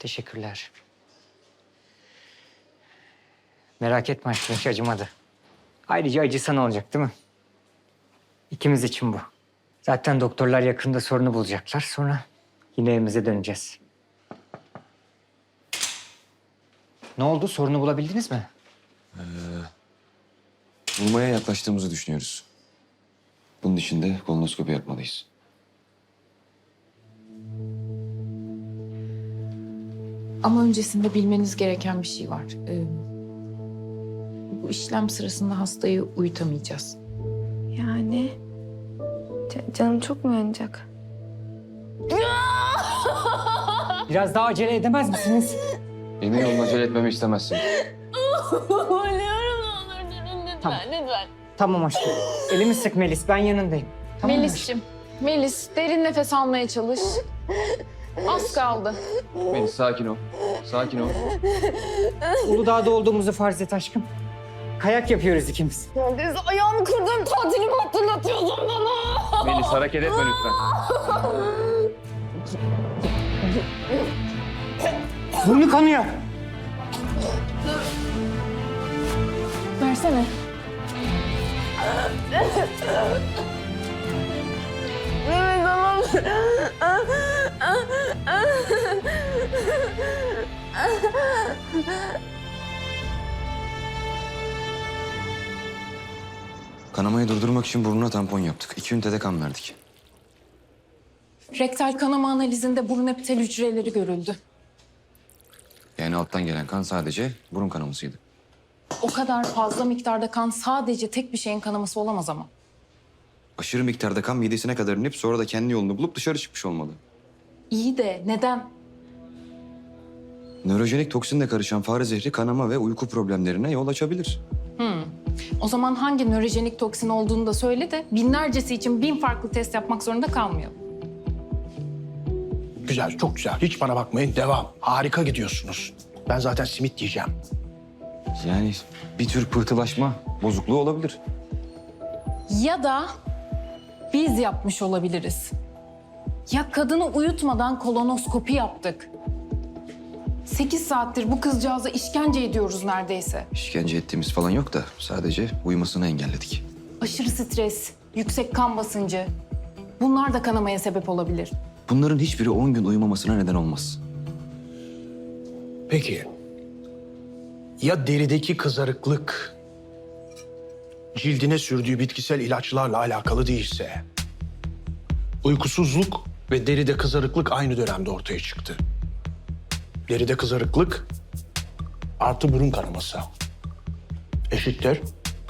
Teşekkürler. Merak etme aşkım, hiç acımadı. Ayrıca acısan olacak değil mi? İkimiz için bu. Zaten doktorlar yakında sorunu bulacaklar. Sonra yine evimize döneceğiz. Ne oldu? Sorunu bulabildiniz mi? Bulmaya yaklaştığımızı düşünüyoruz. Bunun için de kolonoskopi yapmalıyız. Ama öncesinde bilmeniz gereken bir şey var. Bu işlem sırasında hastayı uyutamayacağız. Yani canım çok mu yanacak? Biraz daha acele edemez misiniz? Emin olun acele etmemi istemezsin. Ölüyorum ne olur durun lütfen Tamam. lütfen. Tamam aşkım. Elimi sık Melis, ben yanındayım. Tamam mı aşkım? Melis'ciğim, Melis derin nefes almaya çalış. Az kaldı. Melis sakin ol. Sakin ol. Uludağ'da olduğumuzu farz et aşkım. Kayak yapıyoruz ikimiz. Neredeyse ayağımı kırdığım tatilimi hatırlatıyordun bana. Melis hareket etme lütfen. Burnu kanıyor. Versene. Evet tamam. Kanamayı durdurmak için burnuna tampon yaptık. 2 ünitede kan verdik. Rektal kanama analizinde burun epitel hücreleri görüldü. Yani alttan gelen kan sadece burun kanamasıydı. O kadar fazla miktarda kan sadece tek bir şeyin kanaması olamaz ama. Aşırı miktarda kan midesine kadar inip sonra da kendi yolunu bulup dışarı çıkmış olmalı. İyi de neden? Nörojenik toksinle karışan fare zehri kanama ve uyku problemlerine yol açabilir. O zaman hangi nörojenik toksin olduğunu da söyle de binlercesi için 1000 farklı test yapmak zorunda kalmayalım. Güzel, çok güzel. Hiç bana bakmayın. Devam. Harika gidiyorsunuz. Ben zaten simit diyeceğim. Yani bir tür pıhtılaşma bozukluğu olabilir. Ya da biz yapmış olabiliriz. Ya kadını uyutmadan kolonoskopi yaptık. 8 saattir bu kızcağıza işkence ediyoruz neredeyse. İşkence ettiğimiz falan yok da sadece uyumasını engelledik. Aşırı stres, yüksek kan basıncı. Bunlar da kanamaya sebep olabilir. Bunların hiçbiri 10 gün uyumamasına neden olmaz. Peki. Ya derideki kızarıklık cildine sürdüğü bitkisel ilaçlarla alakalı değilse? Uykusuzluk ve deride kızarıklık aynı dönemde ortaya çıktı. Deride kızarıklık artı burun kanaması eşittir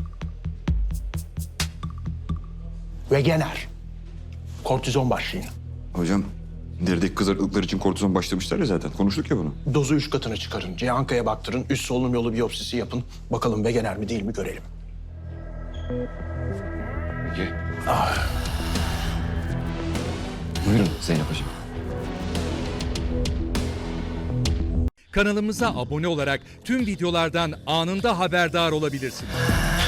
Wegener. Kortizon başlayın. Hocam derideki kızarıklıklar için kortizon başlamışlar ya zaten. Konuştuk ya bunu. Dozu 3 katına çıkarın. Cihanka'ya baktırın. Üst solunum yolu biyopsisi yapın. Bakalım Wegener mi değil mi görelim. Peki. Buyurun Zeynep Hocam. Kanalımıza abone olarak tüm videolardan anında haberdar olabilirsiniz.